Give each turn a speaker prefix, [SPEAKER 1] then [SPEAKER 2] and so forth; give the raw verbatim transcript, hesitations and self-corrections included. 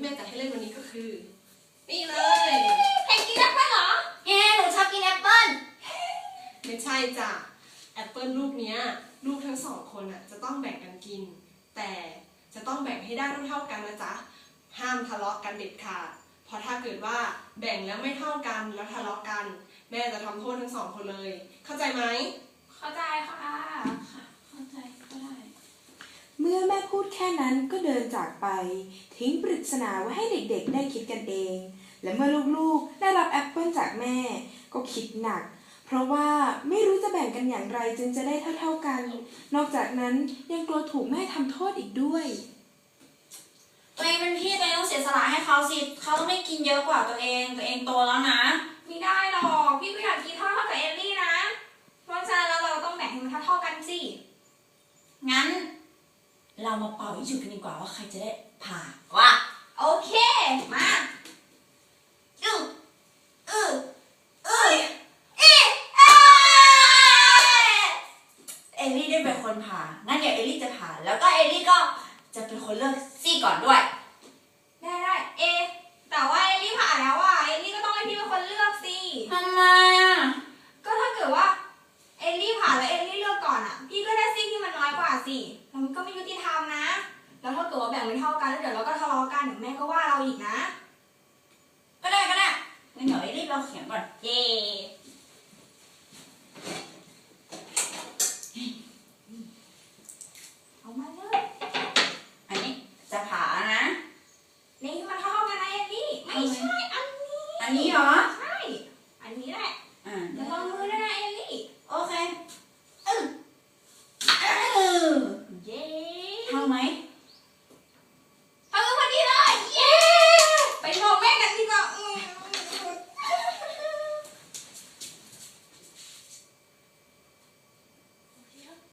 [SPEAKER 1] ม่จัดให้เล่นวันนี้ก็คือนี่เลย
[SPEAKER 2] เพนกินแอปเปิ้ลเหรอเย้หนูชอบกินแอปเปิ้ล
[SPEAKER 1] ไม่ใช่จ้ะแอปเปิลลูกเนี้ยลูกทั้งสองคนอ่ะจะต้องแบ่งกันกินแต่จะต้องแบ่งให้ได้เท่าๆกันนะจ๊ะห้ามทะเลาะกันเด็ดขาดเพราะถ้าเกิดว่าแบ่งแล้วไม่เท่ากันแล้วทะเลาะกันแม่จะทำโทษทั้งสองคนเลยเข้าใจไหม
[SPEAKER 2] เข้าใจค่ะเข้าใจก็ได้
[SPEAKER 3] เมื่อแม่พูดแค่นั้นก็เดินจากไปทิ้งปริศนาไว้ให้เด็กๆได้คิดกันเองและเมื่อลูกๆได้รับแอปเปิลจากแม่ก็คิดหนักเพราะว่าไม่รู้จะแบ่งกันอย่างไรจึงจะได้เท่าๆกันนอกจากนั้นยังกลัวถูกแม่ทำโทษอีกด้วย
[SPEAKER 2] ตัวเองเป็นพี่ตัวเองต้องเสียสละให้เขาสิเขาต้องไม่กินเยอะกว่าตัวเองตัวเองโตแล้วนะไม่ได้หรอกพี่ก็อยากกินเท่าเท่ากับเอลลี่นะเพราะฉะนั้นแล้วเราต้องแบ่งให้มันเท่าเท่ากันสิงั้นเรามาเป่ายิงฉุบกันดีกว่าว่าใครจะได้ผ่าว่าโอเคมาอืออืออือเอ๊ะเอลลี่ได้เป็นคนผ่างั้นเดี๋ยวเอลลี่จะผ่าแล้วก็เอลลี่ก็จะเป็นคนเลือกซี่ก่อนด้วยได้ได้เอแต่ว่าเอลลี่ผ่าแล้วอ่ะเอลลี่ก็ต้องให้พี่เป็นคนเลือกสิทำไมอ่ะก็ถ้าเกิดว่าเอลลี่ผ่าแล้วเอลลี่เลือกก่อนอ่ะพี่ก็ได้ซี่ที่มันน้อยกว่าสิแล้วมันก็ไม่ยุติธรรมนะแล้วถ้าเกิดว่าแบ่งไม่เท่ากันแล้วเดี๋ยวเราก็ทะเลาะกันเดี๋ยวแม่ก็ว่าเราอีกนะก็ได้ก็ได้งั้นเดี๋ยวเอลลี่เราเขียนก่อนเย่เอามาเลยอันนี้จะผ่านะนี่มันเท่ากันนะเอลลี่ไม่ใช่อันนี้อันนี้เหรอใช่อันนี้แหละอ่าจะลองมือด้วยนะเอลลี่โอเคเออเออเย้เท่าไหม